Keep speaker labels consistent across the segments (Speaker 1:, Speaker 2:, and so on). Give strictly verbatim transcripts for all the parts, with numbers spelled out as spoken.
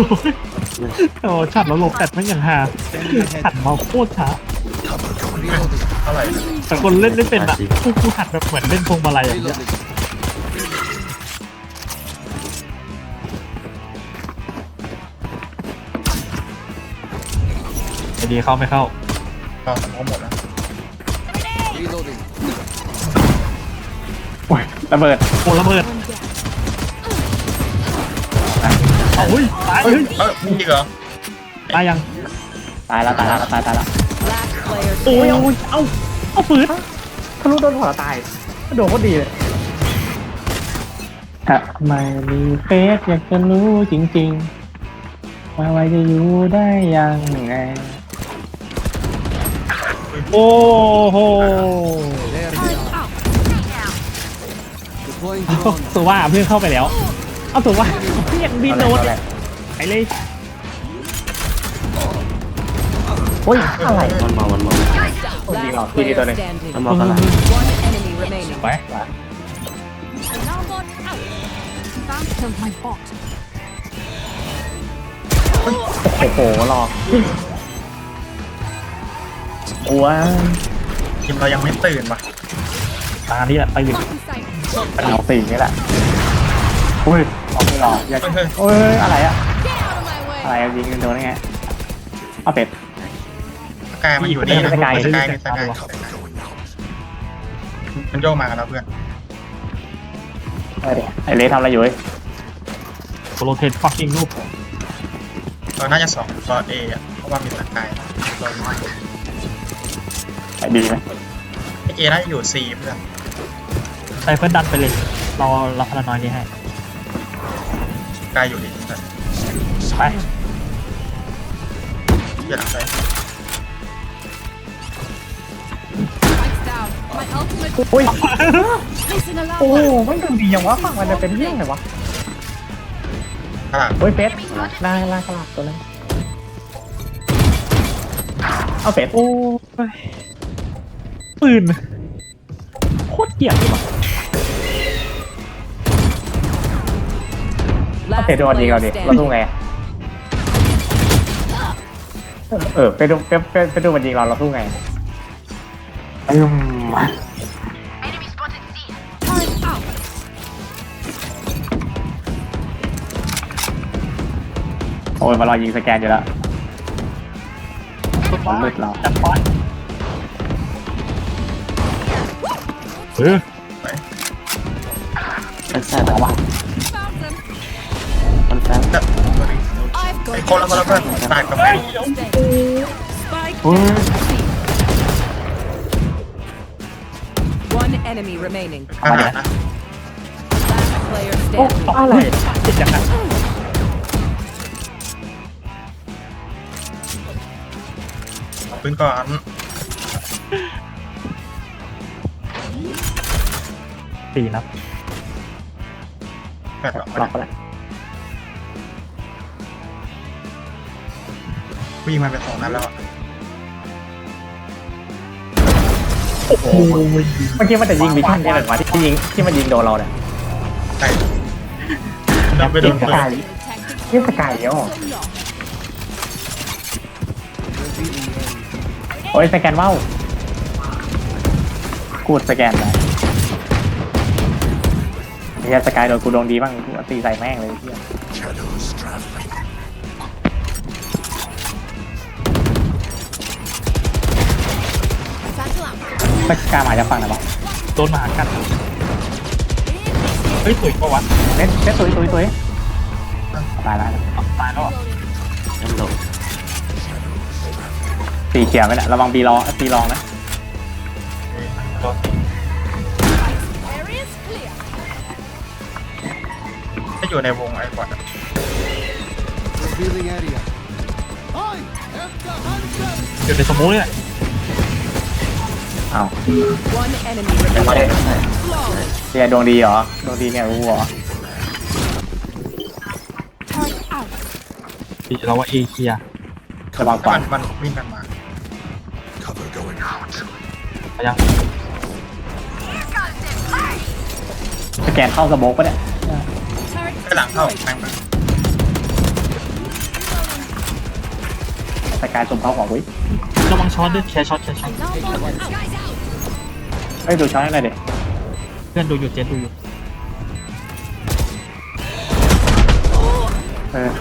Speaker 1: โอ้ฉัดแล้วลงแฟดไม่อย่างหาหัดมาโคตรช้า
Speaker 2: เท่าไหร่
Speaker 1: แต่คนเล่นไม่เป็นอ่ะพวกกูหัดแบบเหมือนเล่นพวงมาลัยอย่างเงี้ยไอดีเข้าไม่เข้า
Speaker 2: ก็สมองหมดแล้ว
Speaker 3: โอ้ยระเบิด
Speaker 1: โอ้ระเบิดเอาเฮ้ยตายเฮ้ย
Speaker 2: เอ้ยมึงจริงเหรอ
Speaker 1: ตายยัง
Speaker 3: ตายแล้วตายแล้วตายตายแล้ว
Speaker 1: โอ้ยเอาเอาเอาฝืน
Speaker 3: ทะลุโดนหัวตายโดนก็ดีเลยถ้าไม่มีเฟซอยากจะรู้จริงๆว่าไว้จะอยู่ได้ยังไง
Speaker 1: โอ้โหสุว่าเพื่อนเข้าไปแล้วเอาสุว่าเพื่อนบินโดนไปเลย
Speaker 3: โอ้ยอะไร
Speaker 4: วันมาวันมา
Speaker 3: จริงเหรอพี่นี่ตัวหนึง
Speaker 4: วันมากันละ
Speaker 1: ไป
Speaker 3: โอ้โหหลอกอ้วน
Speaker 2: ทีมเรายังไม่ตื่นว่ะ
Speaker 1: ตาที่แหละไปอยู่
Speaker 3: เอาสี่นี่แหละอุ้ยออกไม่หลอกอย่า
Speaker 2: เฮ้ย
Speaker 3: โอ้ยอะไรอะอะไรอะยิงโดนได้ไงเอาเป็ด
Speaker 2: สกายมันอยู่นี่นะ
Speaker 3: สกาย
Speaker 2: สกายมีสกายมันโยกมากันแล้วเพื่อน
Speaker 3: ไอเดไอเลทำอะไรอยู่เว้ย
Speaker 1: โรเทตฟักกิ้งลูก
Speaker 2: เราน่าจะสองรอเออ่ะเพราะว่ามีสกายรอ
Speaker 3: ไอดีไหม
Speaker 2: ไอเอน่าจะอยู่ซีเพื่อน
Speaker 1: ไซเฟิลดันไปเลยเรารับพลังน้อยนี้ให้
Speaker 2: สกายอยู่ดีเพื่อน
Speaker 1: ไป
Speaker 2: เดี๋ยวหลังไป
Speaker 3: อุ้ยโอ้ไม่ดูดียังวะฝั่งมันจะเป็นเรื่องไงวะ
Speaker 2: ข้างหลัง
Speaker 3: โอ้ยเฟสล่าล่ากระลาตัวนั้นเอาเฟส
Speaker 1: โอ้ยปืนโคตรเกลียดเลยว่ะ
Speaker 3: เอาเฟสโดนยิงเราดิเราสู้ไงเออไปดูไปไปไปดูมันยิงเราเราสู้ไงอืมโอ้ยมารอยิงสแกนอยู่แล้วมันมืดเรา
Speaker 1: จับปอยเออ
Speaker 4: แบ็คไซด์แบบว่ามันแฟน
Speaker 2: แต่ไอคนละคนละเพื่อนตายกับแม่
Speaker 3: โอ้ย
Speaker 5: One enemy remaining.
Speaker 2: ข้างหลังนะ
Speaker 5: Last player
Speaker 3: โอ้
Speaker 5: standing.
Speaker 3: อะไร
Speaker 1: ติดจากนั้น
Speaker 2: ปืนก่อน
Speaker 1: สี่นับ
Speaker 2: แปดหรอก
Speaker 3: ล็อกไปแล้ว
Speaker 2: วิ่งมาเป็นสองนัดแล้ว
Speaker 1: โอ้โห
Speaker 3: เมื่อกี้มันจะยิงวิชั่นใช่ไหมวะที่ยิงที่มันยิงโดนเราเนี่ย
Speaker 2: ใช่เราไปโดน
Speaker 3: ส
Speaker 2: ปืน
Speaker 3: กายนี่สกายเดียวโอ้ยสแกนว่าวกูดสแกนไปเฮียสกายโดนกูโดนดีบ้างกูตีใส่แม่งเลยเฮียสกายมาจะฟังนะบ้าง
Speaker 1: โดนหมากัดเฮ้ยสวยกว่าวัด
Speaker 3: เล่นเล่นตุยตุยตุยตายแล้ว
Speaker 1: ตายแล้วอ่ะ
Speaker 4: ยันโหลด
Speaker 3: ตีเขียวไปแหละระวังบีรอตีรองนะ
Speaker 2: ถ้าอยู่ในวงไอ้บอท
Speaker 1: อยู่ในสมูทเนี่ย
Speaker 3: อ้าว
Speaker 5: One enemy
Speaker 4: แบ็คไซ
Speaker 5: remaining.
Speaker 4: ด์แบ็คไซด์
Speaker 3: เฮียดวงดีเหรอดวงดีเนี่ยรู้เหรอ
Speaker 1: ดีเราว่าเอเคีย
Speaker 3: ระวัง
Speaker 2: ถ้า
Speaker 3: ก่อ
Speaker 2: มัน นมันวิ่งกันมา
Speaker 1: ไปยัง
Speaker 3: สแกนเข้าสโมกปะเนี่ย
Speaker 2: ไปหลังเข้าแม่งมา
Speaker 3: สกายสุ่มเข้าของวิ
Speaker 1: ระวังช็อตด้วยแชร์ช็อตแชร์ช็อต
Speaker 3: เอ้ยดูช้อนอะไรเด็ก
Speaker 1: เพื่อนดูอยู่เจนดูอยู่
Speaker 3: เออ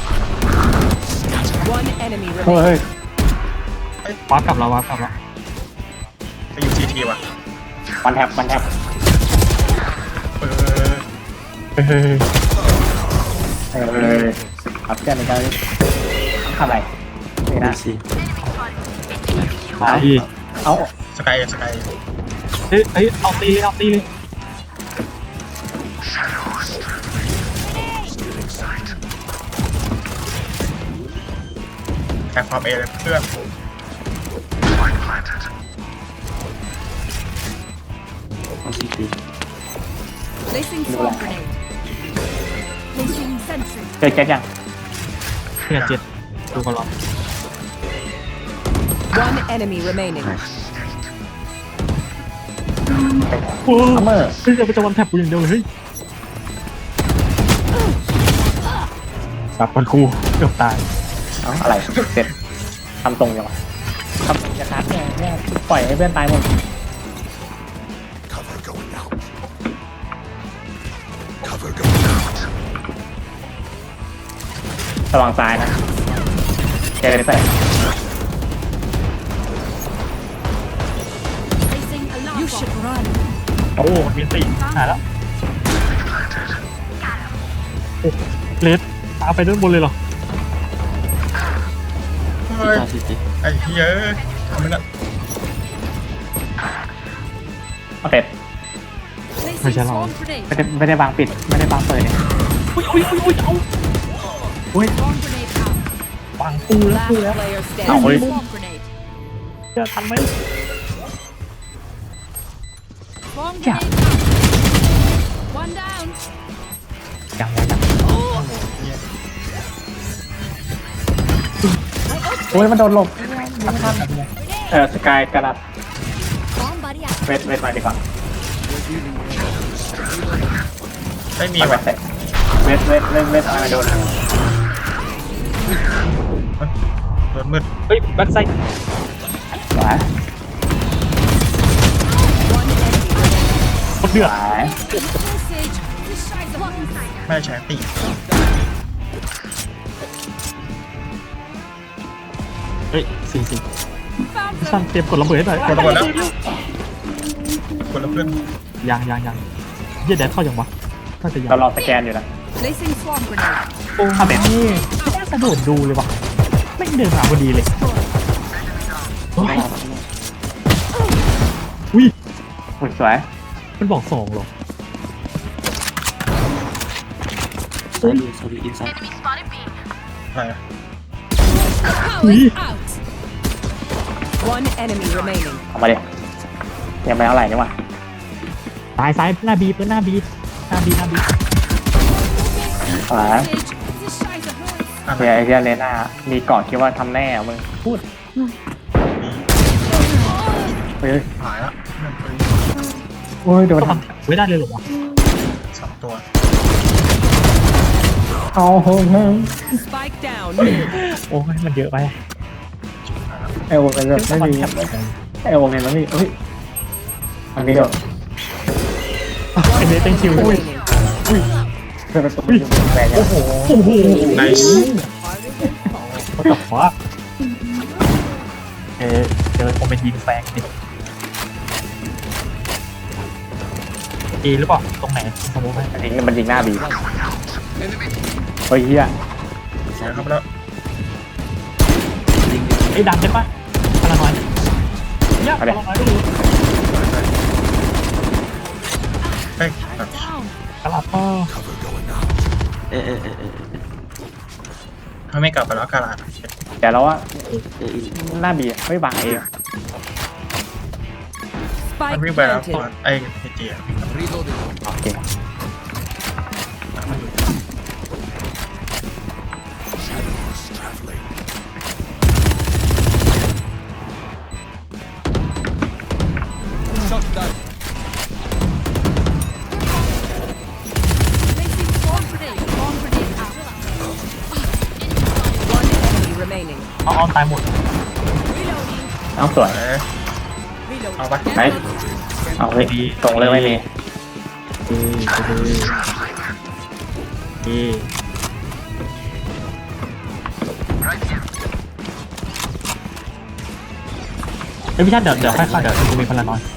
Speaker 5: One enemy
Speaker 3: เฮ้
Speaker 5: remaining.
Speaker 3: ย
Speaker 1: วาร์ปกลับแล้ววาร์ปกลับแล้ว
Speaker 2: ไปอยู่ซีทีว่ะ
Speaker 3: วันแท็บวันแท็บ
Speaker 2: เออ
Speaker 1: เฮ้ย
Speaker 3: เออขับเพื่อนในการทำอะไรนี่
Speaker 4: ดู
Speaker 3: นะ
Speaker 4: สิ
Speaker 1: มาอีก
Speaker 3: เอา
Speaker 2: สกายสกาย
Speaker 1: เฮ้ยเฮ้ยเอาตีเลยเอาตีเลย
Speaker 2: แข่งความเอเลยเพื่อน
Speaker 4: เอาสิตี
Speaker 5: Placing swarm grenade. Placing sentry.
Speaker 3: เจอแจ็คยัง
Speaker 1: เพื่อนเจ็ดดูกันหรอ
Speaker 5: One enemy remaining.
Speaker 1: โอ้
Speaker 3: อัมเมอร์
Speaker 1: เฮ้ยจะไปจะวันแทบกูอย่างเดียวเลยเฮ้ยสับมันกูเกือบตาย
Speaker 3: เอาอะไรเสร็จทำตรงยังวะทำอย่าคัดเนี่ยเนี่ยปล่อยให้เพื่อนตายหมดระวังซ้ายนะเจเลยใส่
Speaker 5: You should run.
Speaker 1: โอ้มันมีสี่หายแล้วโอ้เลสตามไปด้านบนเลยเหรอ
Speaker 2: เฮ้ย
Speaker 4: ตาสิตี
Speaker 2: ไอ้เหี้ยทำไมน่ะ
Speaker 3: เอาเสร็จ
Speaker 1: ไม่ใช่เรา
Speaker 3: ไม่ได้ไม่ได้บางปิดไม่ได้บางเปิดเนี่ย
Speaker 1: อุ้ยอุ้ยอุ้ยอุ้ยเอาอุ้ยปังปูแล้ว
Speaker 5: Last
Speaker 1: ปูแล้ว
Speaker 5: player
Speaker 3: เอา
Speaker 5: standing.
Speaker 3: เฮ้ย
Speaker 1: จะทันไหม
Speaker 3: อย่า
Speaker 5: One down.
Speaker 1: ยังยังยัง
Speaker 3: โอ้ยมันโดนหลบเออสกายกระดับ
Speaker 5: Bomb buddy out.
Speaker 3: เวทเวทมาดีกว่า
Speaker 2: ไม่มี
Speaker 3: มีแบ
Speaker 2: ว่ะ
Speaker 3: บเวทเวทเวทเวทอะไรโดน
Speaker 2: โดนมืด
Speaker 1: เฮ้ยแบ็คไซด์
Speaker 3: หวาย
Speaker 5: One enemy remaining.
Speaker 1: คนเดือด
Speaker 3: หวาย
Speaker 2: ไม่ได้ใช้ตี
Speaker 1: เฮ้ยสี่สี่ช่างเตรียมกดระเบิดให้หน่อย
Speaker 2: กดระเบิดแล้วกดแล้วเพื่อน
Speaker 1: ยังยังยังเยี่ยแดดเข้ายังวะน่าจะยัง
Speaker 3: เรารอสแกนอยู่นะ
Speaker 5: Placing swarm grenade.
Speaker 1: โอ้ทำแบบนี้ไม่น่ากระโดดดูเลยวะไม่เดินมาพอดีเลยโอ้ยอุ้ย
Speaker 3: อุ้ยสวย
Speaker 1: มันบอกสองเหรอ
Speaker 4: ซอยดูซอยดูอินไซด์
Speaker 2: อะไรอะ
Speaker 1: อุ้ย
Speaker 5: One enemy remaining.
Speaker 3: ออกมาดิยังไม่เท่าไหร่นี่หว่า
Speaker 1: ซ้ายซ้ายหน้าบีเพื่อนหน้าบีหน้าบีหน้าบี
Speaker 3: หวาย
Speaker 2: อะไร
Speaker 3: เฮียไอเฮียเลน่ามีเกาะคิดว่าทำแน่อะมึงพูด
Speaker 2: มี
Speaker 3: เฮ้ย
Speaker 2: หายแล้วเพื่อนปืน
Speaker 3: โอ้ยโดน
Speaker 1: ก็
Speaker 3: ท
Speaker 1: ทำไม่ได้เลยเหรอวะ
Speaker 2: สองตัว
Speaker 3: ำเอาเฮ้ย
Speaker 5: Spike down.
Speaker 1: โอ้ยมันเยอะไป
Speaker 3: ไอโอเป็นแบบไม่มีไอโอเป็นแล้วนี่เฮ้ยอันนี้ก็
Speaker 1: ไอเนสเป็นคิว
Speaker 5: Remaining.
Speaker 3: เป็นประตูอยู่แรง
Speaker 1: โอ้โหโอ้โห
Speaker 2: ไนส์
Speaker 1: ก็ตบฟ้าเออเจอคอมเมนต์ยิงแฟงดิเอหรือเปล่าตรงไหนสมมติว่า
Speaker 3: มันยิงมันยิงหน้าบีเฮ้ยเฮีย
Speaker 2: เสียครับแล้ว
Speaker 4: ลิง
Speaker 1: ไอ้ดันได้ปะพลังน้อยเนี่ยพลังน้อยไม่รู้
Speaker 2: เฮ้ยแบบ
Speaker 1: กลับก็
Speaker 4: เออเออเออเออ
Speaker 2: ถ้าไม่กลับไปแล้วกาลาด
Speaker 3: เดี๋ยวเราว่า
Speaker 4: เอออิน
Speaker 3: หน้าบีเฮ้ยบางเอง
Speaker 2: มัน
Speaker 5: Spike
Speaker 2: วิ่งไปแล้ว
Speaker 5: planted.
Speaker 2: ไอ้เฮจีอะ
Speaker 3: โอเค
Speaker 5: One enemy remaining.
Speaker 1: อ๋ออ้อมตายหมด
Speaker 3: เอาสวย
Speaker 2: เอ้ยเอาปะ
Speaker 3: ไปเอาเฮ้ยตรงเลยไม่มี
Speaker 1: เออเออเออเอ้ยพี่ชาติเดี๋ยวเดี๋ยวค่อยเข้าเดี๋ยวจะมีพลังน้อย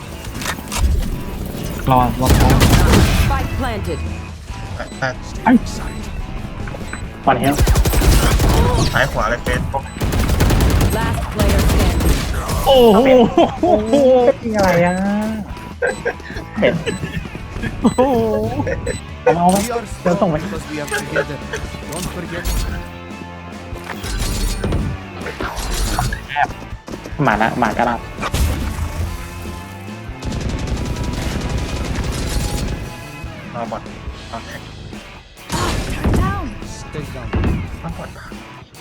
Speaker 1: รอรอรอ
Speaker 5: Spike planted.
Speaker 2: แต่แต่
Speaker 1: ไอ้
Speaker 3: ฟันเฮล
Speaker 2: ซ้ายขวาเลยเฟส
Speaker 5: Last player standing.
Speaker 1: โอ้โห
Speaker 3: ยิงอะไรอ่ะเป็ด
Speaker 1: โอ้โห
Speaker 3: เอาไปเดี๋ยวส่งไป
Speaker 6: because we are together. Don't forget.
Speaker 3: หมาละหมากระลับ
Speaker 2: รอบอดรอแท็ก
Speaker 6: Stay down.
Speaker 2: ต้องกดปะ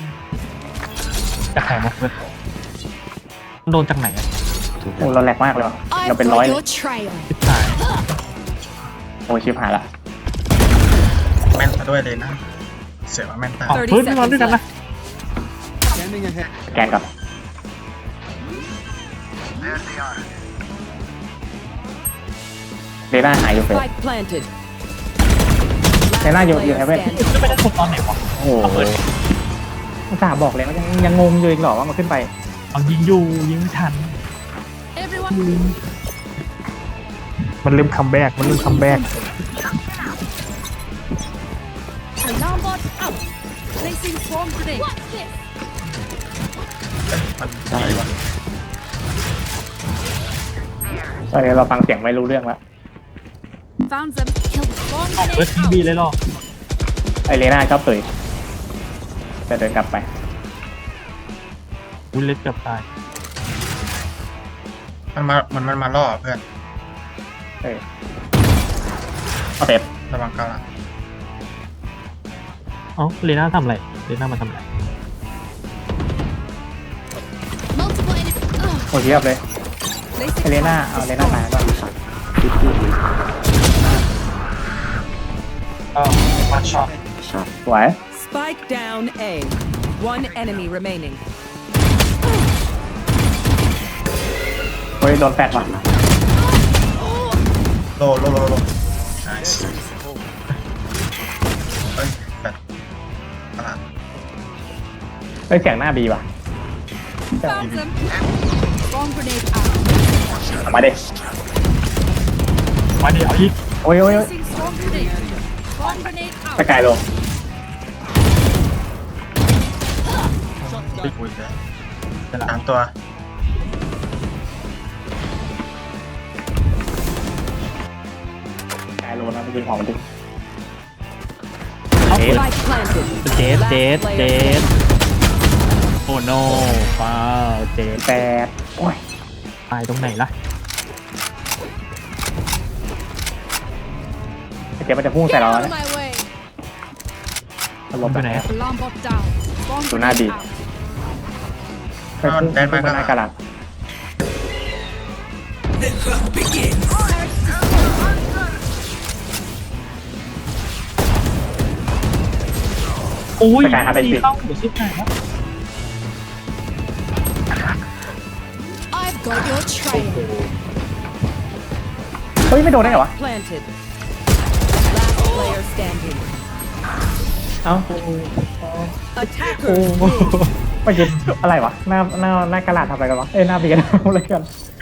Speaker 1: จะแข่งมาเพื่อนโดนจากไหนอ่ะ
Speaker 3: โอ้เราแหลกมากเลยว่ะเราเป็นร้อยเลย
Speaker 1: ทิศสาย
Speaker 3: โอ้ชิบหายละ
Speaker 2: แม่นซะด้วยเลยนะเสียว่าแม่นตา
Speaker 1: อ๋อเฮ้ยไม่มาด้วยกันนะ
Speaker 6: Scanning ahead.
Speaker 3: แกนกับเดน่าหายอยู่เฟส
Speaker 5: Spike planted.
Speaker 3: เดน่าอยู่อยู่
Speaker 5: Player
Speaker 3: เฮเว่น
Speaker 5: standing.
Speaker 1: จะไม่ได้คนตอนไหนวะ
Speaker 3: โอ้โหอุตส่าห์บอกเลยว่ายังยังงงอยู่อีกเหรอว่ามันขึ้นไป
Speaker 1: เอายิงอยู่ยิงไม่ทัน
Speaker 5: Everyone.
Speaker 1: มันเริ่มคัมแบ็กมันเริ่มคัมแบ็ก
Speaker 5: Alarm bot out. Placing swarm grenade. What's this?
Speaker 2: เอ้ยมันดีวะ
Speaker 3: ตอนนี้เราฟังเสียงไม่รู้เรื่องแล้ว
Speaker 5: Found them. Kill swarm
Speaker 1: ออกเฟิร์สที
Speaker 5: grenade
Speaker 1: บี
Speaker 5: out.
Speaker 1: เลยหรอ
Speaker 3: ไอเลน่าชอบตุยจะเดินกลับไป
Speaker 1: อุ้ยเล็ดเกือบตาย
Speaker 2: มันมามันมันมาล่อเพื่อน
Speaker 3: เออเอาเต็บ
Speaker 2: ระวังกาลัง
Speaker 1: เอ้าเลน่าทำอะไรเลน่ามาทำอะไร
Speaker 5: Multiple enemies. Ugh.
Speaker 3: โอ้เทียบเลยไอ
Speaker 5: Placing
Speaker 3: เลน่าเอาเลน่าตายก่อน
Speaker 4: จุดจุดเลย
Speaker 1: ก็มาช็อต
Speaker 4: ช็อต
Speaker 3: สวย
Speaker 5: Spike down A. One enemy remaining.
Speaker 3: เฮ้ยโดนแฟดว่ะ
Speaker 2: โลโลโลโลนายเฮ้ยแบบตลาด
Speaker 3: เฮ้ยเสียงหน้าบีว่ะ
Speaker 5: Found them. Swarm grenade out.
Speaker 3: เอามาดิ
Speaker 1: มาดิเอาอีก
Speaker 3: โอ้ยโอ้ยโอ้ย
Speaker 5: Placing swarm grenade. Swarm grenade
Speaker 3: ส
Speaker 5: out.
Speaker 3: กายลง
Speaker 2: อุ้ยเลยสามตัว
Speaker 3: สกายลงนะไปกินของมันดิ
Speaker 1: เอาเปิด
Speaker 5: Spike planted.
Speaker 1: เจสเจส
Speaker 5: Last
Speaker 1: เจ
Speaker 5: player
Speaker 1: สโอ้โนฟ้าวเจส
Speaker 3: แปดโอ้ย
Speaker 1: ตายตรงไหนล่ะ
Speaker 3: ไอเจ๊มันจะพุ่งใส่เรา
Speaker 5: Get
Speaker 3: แล้ว
Speaker 5: out
Speaker 3: นะ
Speaker 5: of my way.
Speaker 3: มันลบ
Speaker 1: ไป
Speaker 3: ไป
Speaker 1: ไห
Speaker 3: ไห
Speaker 1: น
Speaker 3: น
Speaker 1: อะ
Speaker 5: Alarm bot down. Swarm
Speaker 3: Do not
Speaker 5: grenade
Speaker 3: be.
Speaker 5: out.
Speaker 3: ไปพุ่งพุ่งไปหน้ากระดาษ
Speaker 1: โอ้ย
Speaker 3: สกายหาไปปิด
Speaker 1: เข้าเดี๋ยวชิบหายแล้ว
Speaker 5: I've got your trail.
Speaker 3: เฮ้ยไม่โดนได้เหรอวะ
Speaker 5: Planted. Last player standing.
Speaker 3: เอ้า
Speaker 5: Attackers.
Speaker 3: ไปกินอะไรวะหน้าหน้าหน้ากระดาษทำอะไรกันวะเอ้ยหน้าเบียร์ทำอะไรกัน